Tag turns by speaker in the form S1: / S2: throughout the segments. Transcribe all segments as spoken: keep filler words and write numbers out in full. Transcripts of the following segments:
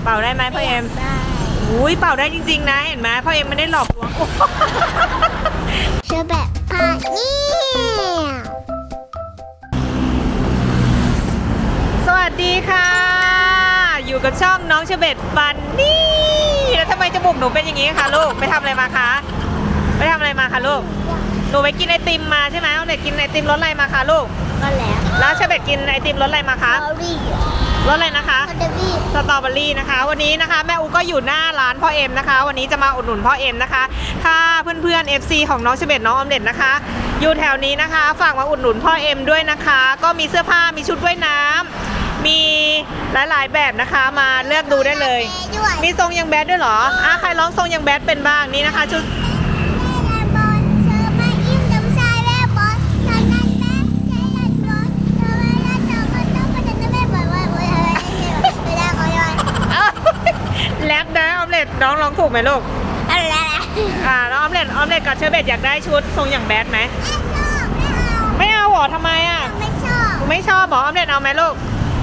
S1: เป่าได้ไหมพ่อเอ็มได้อุ้ยเป่าได้จริงๆนะเห็นไหมพ่อเอ็มไม่ได้หลอกลวง
S2: เชอแบบพาเนี่ย
S1: สวัสดีค่ะอยู่กับช่องน้องเชเบตฟันนี่แล้วทำไมจมูกหนูเป็นอย่างนี้คะลูกไปทำอะไรมาคะไปทำอะไรมาคะลูกหนูไปกินไอติมมาใช่ไหมเอาเด็กกินไอติมรสอะไรมาคะลูก
S2: ก็แล้ว
S1: แล้วเชเบตกินไอติมรสอะไรมาคะ
S2: สตรอเบอรี่
S1: รสอะไรนะคะ
S2: สตรอเบอรี่
S1: สตรอเบอรี่นะคะวันนี้นะคะแม่อูก็อยู่หน้าร้านพ่อเอ็มนะคะวันนี้จะมาอุดหนุนพ่อเอ็มนะคะถ้าเพื่อนๆ เอฟ ซี ของน้องเชเบตน้องออมเด็ดนะคะอยู่แถวนี้นะคะฝากมาอุดหนุนพ่อเอ็มด้วยนะคะก็มีเสื้อผ้ามีชุดว่ายน้ำมีหลายๆแบบนะคะมาเลือกดูได้เลยมีทรงยังแบดด้วยเหรออ่ะใครร้องทรงยังแบดเป็นบ้างนี่นะคะชุดแลกได้ออมเล็ตน้องร้องถูกไหมลูก
S2: อะไร
S1: อ่าแล้วออมเล็ตออมเล็ตกับเชอร์เบตอยากได้ชุดทรงอย่างแบดไหมไม่เอาหรอทำไมอ่ะ
S2: ไม่ชอบ
S1: ไม่ชอบหรอออมเล็ตเอาไหมลูก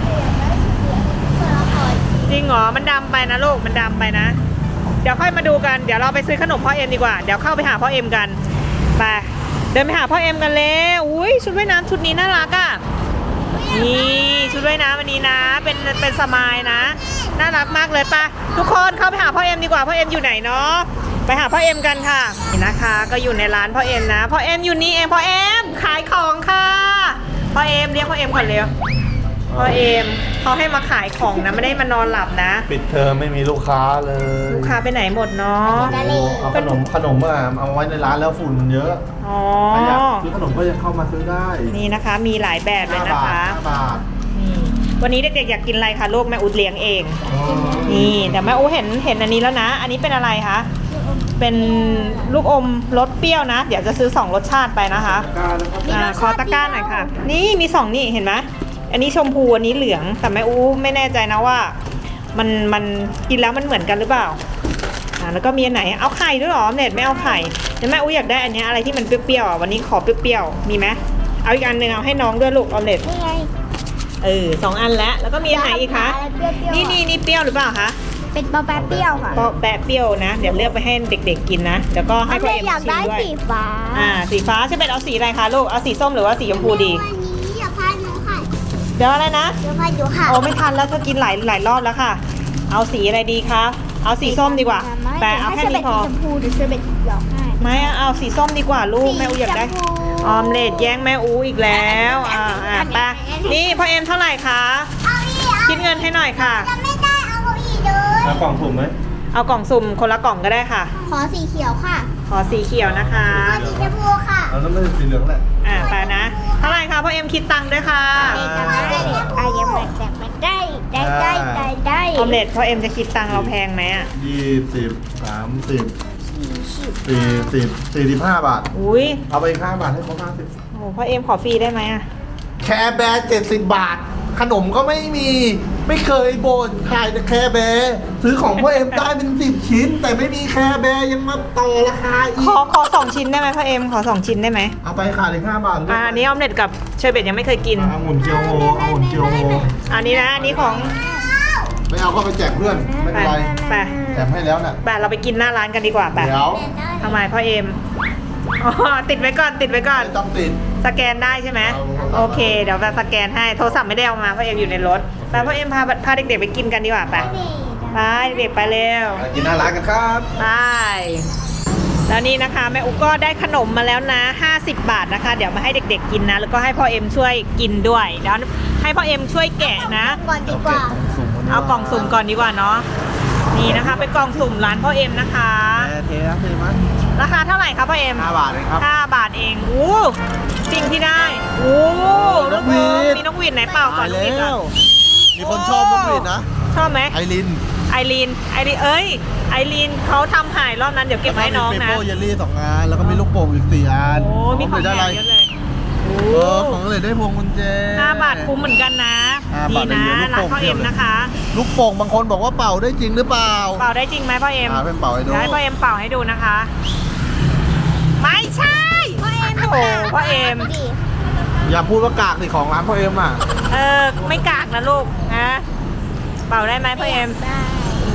S1: จริงเหรอมันดำไปนะลูกมันดำไปนะเดี๋ยวค่อยมาดูกันเดี๋ยวเราไปซื้อขนมพ่อเอ็มดีกว่าเดี๋ยวเข้าไปหาพ่อเอ็มกันไปเดินไปหาพ่อเอ็มกันเลยอุ้ยชุดว่ายน้ำชุดนี้น่ารักอ่ะนี่ชุดว่ายน้ำวันนี้นะเป็นเป็นสมายนะน่ารักมากเลยป่ะทุกคนเข้าไปหาพ่อเอ็มดีกว่าพ่อเอ็มอยู่ไหนเนาะไปหาพ่อเอ็มกันค่ะนี่นะคะก็อยู่ในร้านพ่อเอ็มนะพ่อเอ็มอยู่นี่เองพ่อเอ็มขายของค่ะพ่อเอ็มเรียกพ่อเอ็มก่อนเร็วพ่อเอ็มเขาให้มาขายของนะไม่ได้มานอนหลับนะ
S3: ปิดเทอมไม่มีลูกค้าเลย
S1: ลูกค้าไปไหนหมดเนาะ
S3: เอาขนมขนมมาเอาไว้ในร้านแล้วฝุ่นเยอะ
S1: อ๋อ
S3: ใครอยากซื้อขนมก็ยังเข้ามาซื้อได้
S1: นี่นะคะมีหลายแบบเลยนะคะวันนี้เด็กๆอยากกินอะไรคะลูกแม่อุดเลี้ยงเองนี่แต่แม่อุเห็นเห็นอันนี้แล้วนะอันนี้เป็นอะไรคะเป็นลูกอมรสเปรี้ยวนะเดี๋ยวจะซื้อสองรสชาติไปนะคะอ่าคอตะก้าหน่อยค่ะนี่มีสองนี่เห็นไหมอันนี้ชมพูอันนี้เหลืองแต่แม่อูไม่แน่ใจนะว่ามันมันกินแล้วมันเหมือนกันหรือเปล่าอ่าแล้วก็มีอันไหนเอาไข่ด้วยหรอเน็ตไม่เอาไข่แต่แม่อูอยากได้อันนี้อะไรที่มันเปรี้ยวๆวันนี้ขอเปรี้ยวๆมีไหมเอาอีกอันหนึ่งเอาให้น้องด้วยลูกเอาเน็ต
S2: นี่ไง
S1: เออสองอันแล้วแล้วก็มีอันไหนอีกคะนี่นี่นี่เปรี้ยวหรือเปล่าคะ
S2: เป็นปอแปะเปรี้ยวค่ะ
S1: ปอแปะเปรี้ยวนะเดี๋ยวเลือกไปให้เด็กๆกินนะเดี๋ยวก็ให้พ่อเอ็มชิมด้วย
S2: อยากได้สีฟ้า
S1: อ่าสีฟ้าใช่ไหมเอาสีอะไรคะลูกเอาสีส้มหรือว่าสีชมพูดีเดี๋ยวอะไรนะ
S2: เดี๋ยวพาดูค่ะ
S1: โอ้ไม่ทันแล้วเธอกินหลายหลายรอบแล้วค่ะเอาสีอะไรดีคะเอาสีส้มดีกว่าแต่เอาแค่นี้พอ
S2: ชมพูหรือเชอร์เบตหยอกให้
S1: ไม่เอาสีส้มดีกว่าลูกแม่อูอยากได้ออมเล็ตแย่งแม่อูอีกแล้วอ่าอ่าไปนี่พ่อเอ็มเท่าไหร่คะคิดเงินให้หน่อยค่ะ
S2: ไม่ได้เอาอีกเลย
S3: เอากล่องสุ่มไหม
S1: เอากล่องสุ่มคนละกล่องก็ได้ค่ะ
S2: ขอสีเขียวค่ะ
S1: ขอสีเขียวนะคะ
S2: ขอสีชมพูค่ะ
S3: เอาแล้วไม่ใช่สีเหลืองแหละ
S1: อ่าไปนะเท่าไหร่คะพ่อเอ็มคิดตังค์ด้วยค่ะ
S2: ได้ยังไม่แต่ไม่ได้ได้ได้ได้ได้
S1: ออมเล็ตพ่อเอ็มจะคิดตังค์เราแพงไหมอ่ะ
S3: ยี่สิบสามสิบสี่สิบสี่สิบห้าบาท
S1: อุ้ย
S3: เอาไปห้าบาทให้เขาห้าสิบ
S1: โอ้พ่อเอ็มขอฟรีได้ไหมอ่ะ
S3: แคร์แบร์เจ็ดสิบบาทขนมก็ไม่มีไม่เคยบ่นขายแต่แคร์แบร์ซื้อของพ่อเอ็มได้เป็นสิบชิ้นแต่ไม่มีแคร์แบร์ยังมาต่อราคาอีก
S1: ขอขอสองชิ้นได้ไหมพ่อเอ็มขอสองชิ้นได้ไหม
S3: เอาไปขายถึงห้าบาท
S1: อ่าอันนี้ออมเล็ตกับเชอร์เบตยังไม่เคยกิน
S3: องุ่นเกียวโฮองุ่นเกียวโฮ
S1: อันนี้นะอันนี้ของ
S3: ไม่เอาก็ไปแจกเพื่อนไม่เป็นไร
S1: ไป
S3: แจกให้แล้วน่ะ
S1: ไปเราไปกินหน้าร้านกันดีกว่าไป
S3: เดี๋ยว
S1: ทำไมพ่อเอ็มอ๋อติดไว้ก่อนติดไว้ก่อน
S3: ไม่ต้องติด
S1: สแกนได้ใช่ไหมโอเคเดี๋ยวแบบสแกนให้โทรศัพท์ไม่ได้เอามาพ่อเอ็มอยู่ในรถไปพ่อเอ็มพาพาเด็กๆไปกินกันดีกว่าไปไปเด็กไปเร็ว
S3: กินหน้าร้านกันครับ
S1: ไปแล้วนี่นะคะแม่อุ๊กก็ได้ขนมมาแล้วนะห้าสิบบาทนะคะเดี๋ยวมาให้เด็กๆกินนะแล้วก็ให้พ่อเอ็มช่วยกินด้วยเดี๋ยวให้พ่อเอ็มช่วยแกะนะ
S2: ก่อนดีกว่า
S1: เอากล่องสุ่มก่อนดีกว่าเนาะนี่นะคะเป็นกล่องสุ่มร้านพ่อเอ็มนะคะ
S3: เทนะเทมั้ย
S1: ราคาเท่าไหร่ครับพ่อเอ็ม
S3: ห้าบาทเองครับ
S1: ห้าบาทเองโอ้สิ่งที่ได้โอ้นกหวีดมีนกหวีดไหนเปล่าก่อน
S3: เลยมีคนชอบนกหวีดนะ
S1: ชอบไหม
S3: ไอริน
S1: ไอรีนไอรีนเอ้ยไอรีนเขาทำหายรอบนั้นเดี๋ยวเก็บไว้ให้น้องนะ
S3: มีเปโป้เยลลี่สองอันแล้วก็มีลูกโป่งอีกสี่อัน
S1: โอ้มีของใหญ่เยอะเลย
S3: เออของเลยได้พวงกุญแจ
S1: ห้าบาทคุ้มเหมือนกันนะดีนะร้านพ่อเอ็มนะคะ
S3: ลูกโป่งบางคนบอกว่าเป่าได้จริงหรือเปล่า
S1: เป่าได้จริงไหมพ่อเอ็ม
S3: เป็นเป่าให้ดู
S1: ให้พ่อเอ็มเป่าให้ดูนะคะไม่ใช่
S2: พ่อเอ็ม
S1: โอ้พ่อเอ็ม
S3: อย่าพูดว่ากากสิของร้านพ่อเอ็มอ่ะ
S1: เออไม่กากนะลูกนะเป่าได้ไหมพ่อเอ็ม
S2: ได้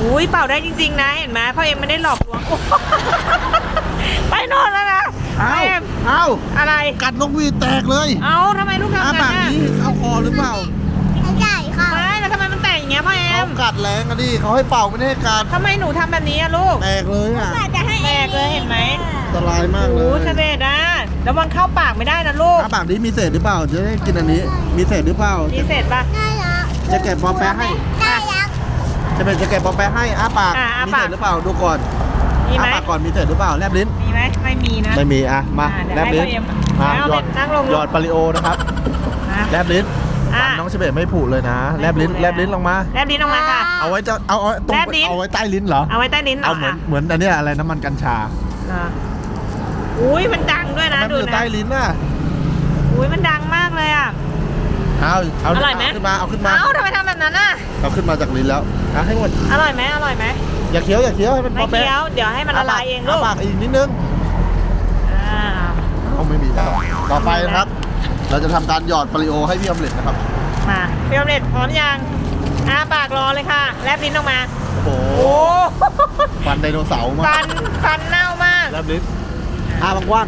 S1: อุ้ยเป่าได้จริงๆนะเห็นไหมพ่อเอ็มไม่ได้หลอกลวง ไปโน่นแล้วนะพ่อ
S3: เอ้า
S1: เอ็ม
S3: เอ้า
S1: อะไร
S3: กัดนกหวีดแตกเลย
S1: เอาทำไมลูกทำ
S3: อ้า
S1: งั้
S3: ปาก
S1: นน่ะ
S3: นี้เข้าคอหรือเปล่า
S2: ไม่ใช่ค่ะ
S1: ไม่แล้วทำไมมันแตกอย่างเงี้ยพ่อเอ็
S3: เขา
S1: ม
S3: กัดแรงอะดิเขาให้เป่าไม่ได้ให้กัด
S1: ทำไมหนูทำแบบนี้อะลูก
S3: แตกเลยอ่ะ
S2: ว่าจะให้
S1: แตกเลยเห็นไหม
S3: อันตรายมากเล
S1: โอ้
S3: ย
S1: ชเบตอ่ะแล้วมันเข้าปากไม่ได้นะลูก
S3: อ้าปากนี้มีเศษหรือเปล่าจะได้กินอันนี้ มีเศษหรือเปล่า
S1: มีเศษปะ
S2: ได้แล้ว
S3: จะแกะปอแปะให้
S2: ได้แล้ว
S3: จะเป็นจะแกะปอแปะให้อ้าปาก
S1: อ่ะอ้า
S3: มี
S1: ปาก
S3: เศษหรือเปล่าดูก่อน
S1: มีไหม
S3: อ้าปากก่อนมีเศษหรือเปล่าแลบลิ้น
S1: มีไหมไม่มีนะ
S3: ไม่มีอ่ะมา
S1: อ่ะเดี๋ยว
S3: แลบลิ้น
S1: ให้พ่อเอ็ม
S3: มา
S1: เอา
S3: หยอด
S1: นั่งลง
S3: หยอดปาริโอนะครับ
S1: อ่ะ
S3: แลบลิ้น
S1: อ่ะ
S3: ฟันน้องเฉเบตไม่ผุเลยนะแลบลิ้น
S1: ไม่ผุเลย
S3: แลบลิ้นลงมา
S1: แลบลิ้นออกมาค่ะ
S3: เอาไว้จะเอาเอาตรง
S1: แลบลิ้น
S3: เอาไว้ใต้ลิ้นเหรอ
S1: เอาไว้ใต้ลิ้นหร
S3: เอา
S1: อ
S3: เหมือน
S1: อ่ะ
S3: เหมือนอันเนี้ยอะไรน้ำมันกัญชา
S1: อ่ะอุ้ยมันดังด้วยนะ
S3: มัน
S1: ดู
S3: อยู่
S1: นะ
S3: ใต้ลิ้นน่ะ
S1: อุ้ยมันดังมากเลยอ่ะ
S3: เอาเอา
S1: อร่อยไหม
S3: เอาขึ้นมาเอาขึ้นมา
S1: เอ้าทำไมทำแบบนั้นอ่ะ
S3: เอาขึ้นมาจากลิ้นแล้วอ่ะให้หมด
S1: อร่อยไหมอร่อยไหม
S3: อย่าเคี้ยวอย่าเคี้ยวให้มันพ
S1: ไม่
S3: อแป๊ะ
S1: เคี้ยวเดี๋ยวให้มันละลายเองลูก
S3: าปากอีกนิดนึง
S1: อ่า
S3: เอาไม่มีแล้วต่อไปนะครับ เราจะทำการหยอดปาริโอให้พี่ออมเล็ตนะครับ
S1: มาพี่ออมเล็ตพร้อมยังอ้าปากรอเลยค่ะแลบลิ้นออกมา
S3: โอ้โห
S1: โอ้
S3: ฟันไดโนเสาร์มา
S1: ฟันฟันเน่ามาก
S3: แล้วลิ้นอ้าบางว่าง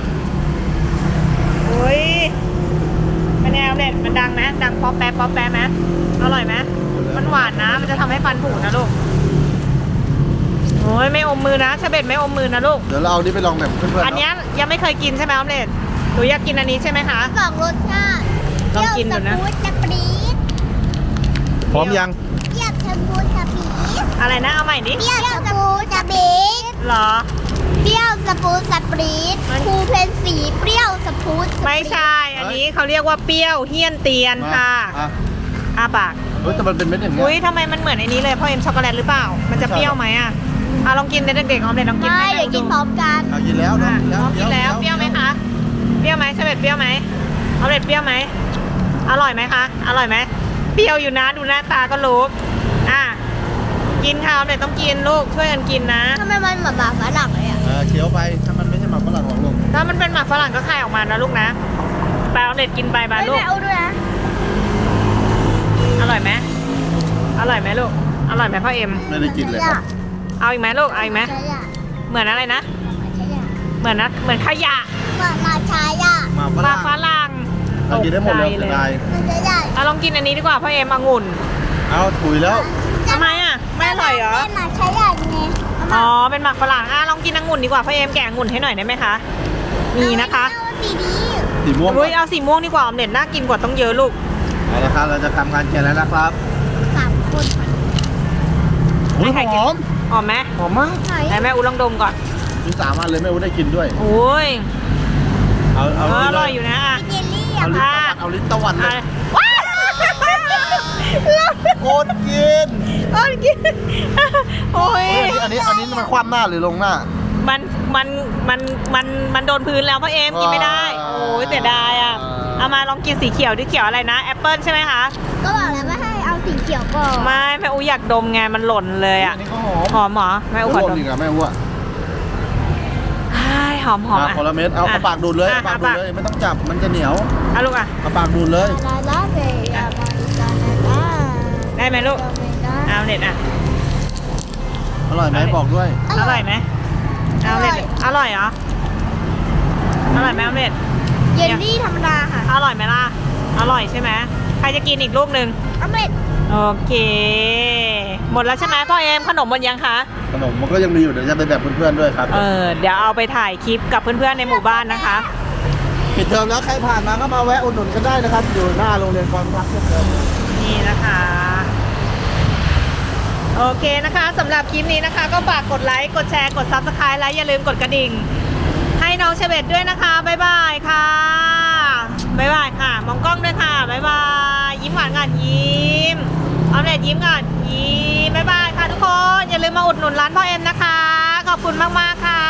S1: อุ้ยเป็นไงออมเล็ตมันดังไหมดังป๊อปแป๊บป๊อปแป๊บไหมอร่อยไหมมันหวานนะ มันจะทำให้ฟันผุนะลูกโอ้ยไม่อมมือนะชาเบ็ดไม่อมมือนะลูก
S3: เดี๋ยวเราเอานี่ไปลองแบบเพื่อนๆ
S1: อันเนี้ยยังไม่เคยกินใช่ไหมออมเล็ตหนูอยากกินอันนี้ใช่ไหมคะ
S2: สองรสชาติ
S1: ลองกินดูนะ
S2: เปรี้ยวสปูสสปรีด
S3: พร้อมยัง
S2: เปรี้ยวสปูสสปรีด
S1: อะไรนะเอาใหม่ดิ
S2: เปรี้ยวสปูสสปรีด
S1: เหรอ
S2: เปรี้ยวสปูสสปรีด
S1: มัน
S2: ครูเพนสีเปรี้ยวสปูสสปรีด
S1: ไม่ใช่ อันนี้เขาเรียกว่าเปรี้ยวเฮี้ยนเตียนค่ะ
S3: อ่ะ
S1: อาปาก
S3: เฮ้ยแต่มันเป็นเม็ดอย่างเงี้ย
S1: อุ้ยทำไมมันเหมือนไอ้นี้เลยพ่อเอ็มช็อกโกแลตหรือเปล่า มันจะเปรี้ยวไหมอ่ะอ่ะลองกินเด็กๆออมเล็ตลองกิน
S2: ไม่
S1: ให้
S2: เดี๋ยวกินพร้อมกัน
S3: เอากินแล้ว
S1: อ่ะ
S3: เนาะ
S1: ลองกินแล้วเปรี้ยวไหมคะเปรี้ยวไหมชาเบ็ดเปรี้ยวไหมออมเล็ตเปรี้ยวไหมอร่อยไหมคะอร่อยไหมเปรี้ยวอยู่นะดูหน้าตาก็รู้อ่ะกินค่ะออมเล็ตต้องกินลูกช่วยกันกินนะ
S2: ทำไมมันเหมือนหมาฝรั่งเลยอ่ะ
S3: เออเคี้ยวไปถ้ามันไม่ใช่หมักฝรั่งหรอกลูก
S1: ถ้ามันเป็นหมักฝรั่งก็คายออกมานะลูกนะไปออมเล็ตกินไปบา
S2: ไม่
S1: ลูก
S2: ไม่เอาด้วยนะ
S1: อร่อยไหมอร่อยไหมลูกอร่อยไหมพ่อเอ็ม
S3: ไม่ได้กินเลยครับ
S1: เอาอีกไหมลูกเอาอีกไหม
S2: ใช่อะ
S1: เหมือนอะไรนะ
S2: ใช่อะ
S1: เหมือนนะเหมือนขยะ
S2: เหมือนมาชายอะ
S3: หมาฝ
S1: ปลา
S3: รั่ง
S1: ฝรั่ง
S3: เรากินได้หมดเลย
S1: ตกใจ
S3: เสียดาย
S2: มันจะใหญ่
S1: เอาลองกินอันนี้ดีกว่าพ่อเอ็มองุ่น
S3: เอาถุยแล้ว
S1: ทำไมอ่ะไม่อร่อยเหรอ
S2: ไม่มาใช้ใหญ่ไง
S1: อ๋อเป็นหมักฝรั่งอ่ะลองกินองุ่นดีกว่าพ่อเอ็มแกะองุ่นให้หน่อยได้ไหมคะมีนะคะ
S2: เอาสีนี้
S3: สีม่วง
S1: อุ้ยเอาสีม่วงดีกว่าออมเล็ตน่ากินกว่าต้องเยอะลูก
S3: เอาละครับเราจะทำการแกะแล้วนะครับ
S2: สามคน
S3: อุ้ย
S1: ให้ใคร
S3: ห
S1: กิน
S3: อม
S1: หอมไหม
S3: หอมมาก
S2: ไหน
S1: ไหนแม่อูลองดมก่อน
S3: มีสามอันเลยแม่อูได้กินด้วย
S1: โอ้ย
S3: เอา
S1: เอ
S3: เอา
S1: ออ
S3: นี่เล
S1: ร่อยอยู่นะอ่ะ
S2: เยลลี่
S3: เอา
S2: อะ
S3: ลิ้นตะวัดเอาลิ้นตะวัดเล
S1: อ่ะ
S3: ย
S1: ว้าว
S3: โคตรกิน
S1: โอ้ยกินโอ้ย
S3: เฮ้ยอันนี้อันนี้อันนี้มันคว่ำหน้าหรือลงหน้า
S1: มันมันมันมันมันโดนพื้นแล้วพ่อเอ็มกินไม่ได้
S3: อ่า
S1: โอ้ยเสียดายอ่ะเอามาลองกินสีเขียวดิเขียวอะไรนะแอปเปิลใช่ไหมคะ
S2: ก็บอกแล้วว่าให้เอาสีเขียวก่อน
S1: ไม่แม่อูอยากดมไงมันหล่นเลยอ่ะ
S3: อันนี้ก็หอม
S1: หอมเหรอแม่อู
S3: โอ้
S1: ขอ
S3: โห
S1: ดม
S3: อีกอะแม่อูอะ
S1: ใช่หอมหอม
S3: อ่ะ
S1: อ่ะ
S3: คนละเม็ดเอาเอาปากดูดเลยเอาปากดูดเลยไม่ต้องจับมันจะเหนียว
S1: เอาลูกอ่ะ
S3: เอาปากดูดเลย
S2: ลาลาเบย์ลาลาลาลา
S1: ได้ไหมลูกเอาเน็ตอ่ะ
S3: อร่อยไหมบอกด้วย
S1: อร่อยไหมเอาเน็ตอร่อยเหรออร่อยไหมเอาเน็ต
S2: เยลลี่ธรรมดาค่ะ
S1: อร่อยไหมล่ะอร่อยใช่ไหมใครจะกินอีกลูกหนึ่ง
S2: อเมริก
S1: โอเค หมดแล้วใช่ไหมพ่อเอ็มขนมหมดยังคะ
S3: ขนมมันก็ยังมีอยู่เดี๋ยวจะไปแบบเพื่อนๆด้วยครับ
S1: เออเดี๋ยวเอาไปถ่ายคลิปกับเพื่อนๆในหมู่บ้านนะคะ
S3: ปิดเทอมแล้วใครผ่านมาก็มาแวะอุดหนุนกันได้นะครับ อยู่หน้าโรงเรียนความรักเช่นเดิม
S1: นี่นะคะ โอเคนะคะสำหรับคลิปนี้นะคะ ก็ฝากกดไลค์กดแชร์กด ซับสไครบ์และอย่าลืมกดกระดิ่ง ให้น้องเชเบตด้วยนะคะบ๊ายบายค่ะบ๊ายบายค่ะ มองกล้องด้วยค่ะบ๊ายบายยิ้มหวานก่อนยิ้มออมเล็ตยิ้มก่อนยิ้มบ๊ายบายค่ะทุกคนอย่าลืมมาอุดหนุนร้านพ่อเอ็มนะคะขอบคุณมากๆค่ะ